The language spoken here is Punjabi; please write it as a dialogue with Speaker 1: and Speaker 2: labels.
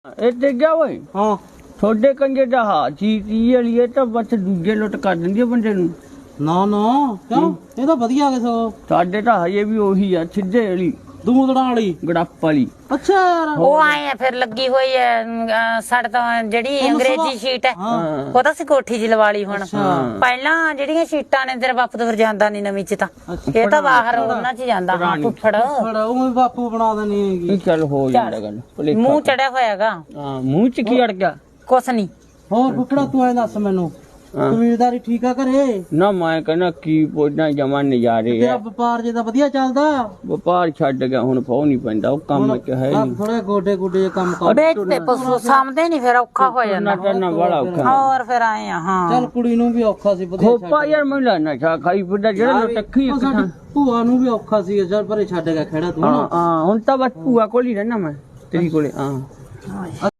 Speaker 1: ਇਹ ਤੇ ਗਿਆ ਓਏ
Speaker 2: ਹਾਂ
Speaker 1: ਤੁਹਾਡੇ ਕੰਜੇ ਦਾ ਹਾ ਚੀਜ਼ ਵਾਲੀ ਇਹ ਤਾਂ ਬਸ ਦੂਜੇ ਲੁੱਟ ਕਰ ਦਿੰਦੀ ਆ ਬੰਦੇ ਨੂੰ।
Speaker 2: ਨਾ ਨਾ ਕਿਉਂ ਇਹ ਤਾਂ ਵਧੀਆ ਕਿਸੇ
Speaker 1: ਸਾਡੇ ਤਾਂ ਹਜੇ ਵੀ ਉਹੀ ਆ ਸਿੱਧੇ ਵਾਲੀ
Speaker 2: ਦੂਦੜਾਂ ਵਾਲੀ
Speaker 1: ਗੜੱਪ ਵਾਲੀ।
Speaker 2: ਅੱਛਾ ਯਾਰ
Speaker 3: ਉਹ ਆਏ ਆ ਫਿਰ ਲੱਗੀ ਹੋਈ ਐ ਸਾਡੇ ਤਾਂ ਜਿਹੜੀ ਅੰਗਰੇਜ਼ੀ ਸ਼ੀਟ ਐ ਉਹ ਤਾਂ ਅਸੀਂ ਕੋਠੀ 'ਚ ਲਵਾ ਲਈ ਹੁਣ। ਪਹਿਲਾਂ ਜਿਹੜੀਆਂ ਸ਼ੀਟਾਂ ਨੇ ਤੇਰਾ ਬਾਪੂ ਤਾਂ ਫਿਰ ਜਾਂਦਾ ਨਹੀਂ ਨਵੀਂ 'ਚ ਤਾਂ ਇਹ ਤਾਂ ਬਾਹਰ ਉਹਨਾਂ 'ਚ ਜਾਂਦਾ ਹਾਂ ਫੁੱਫੜ
Speaker 2: ਉਹ ਵੀ ਬਾਪੂ ਬਣਾ ਦੇਣੀ ਹੈਗੀ।
Speaker 1: ਇਹ ਚੱਲ ਹੋ ਜਾਂਦਾ ਗੱਲ ਭੁਲੇਖਾ।
Speaker 3: ਮੂੰਹ ਚੜਿਆ ਹੋਇਆਗਾ
Speaker 1: ਹਾਂ ਮੂੰਹ ਚ ਕੀ ਅੜ ਗਿਆ?
Speaker 3: ਕੁਛ ਨਹੀਂ।
Speaker 2: ਹੋਰ ਫੁੱਫੜਾ ਤੂੰ ਐ ਦੱਸ ਮੈਨੂੰ ਕਬੀਲਦਾਰੀ ਠੀਕ ਆ ਘਰੇ?
Speaker 1: ਨਾ ਮੈਂ ਕਹਿੰਦਾ ਕੀ ਪੋਜਣਾ ਜਮਾ ਨਜ਼ਾਰੇ
Speaker 2: ਤੇਰਾ
Speaker 1: ਆ।
Speaker 2: ਵਪਾਰ ਜੇ ਤਾਂ ਵਧੀਆ ਚੱਲਦਾ?
Speaker 1: ਵਪਾਰ ਛੱਡ ਗਿਆ ਹੁਣ ਪਾਉ ਨਹੀਂ ਪੈਂਦਾ ਉਹ ਕੰਮ ਚ ਹੈ ਨਹੀਂ।
Speaker 2: ਥੋੜੇ ਗੋਡੇ ਗੁੱਡੇ ਜੇ ਕੰਮ ਕਰ
Speaker 3: ਵੇਚਦੇ ਪਸ਼ੂ ਸਾਂਭਦੇ ਨਹੀਂ ਫਿਰ ਔਖਾ ਹੋ ਜਾਂਦਾ।
Speaker 1: ਕਰਨਾ ਬੜਾ ਔਖਾ।
Speaker 3: ਹੋਰ ਫਿਰ ਆਏ ਆ ਹਾਂ
Speaker 2: ਚੱਲ ਕੁੜੀ ਨੂੰ ਵੀ ਔਖਾ ਸੀ ਵਧੀਆ
Speaker 1: ਖੋਪਾ ਯਾਰ ਮੈਨੂੰ ਲੱਗਦਾ ਨਸ਼ਾ ਖਾਈ ਫਿਰਦਾ ਜਿਹੜਾ ਟੱਖੀ ਇੱਕ ਥਾਂ।
Speaker 2: ਭੂਆ ਨੂੰ ਵੀ ਔਖਾ ਸੀ ਚੱਲ ਪਰੇ ਛੱਡ ਗਿਆ ਖੜਾ ਤੂੰ
Speaker 1: ਹਾਂ ਹੁਣ ਤਾਂ ਬਸ ਭੂਆ ਕੋਲ ਹੀ ਰਹਿਣਾ ਮੈਂ ਤੇਰੀ ਕੋਲੇ। ਹਾਂ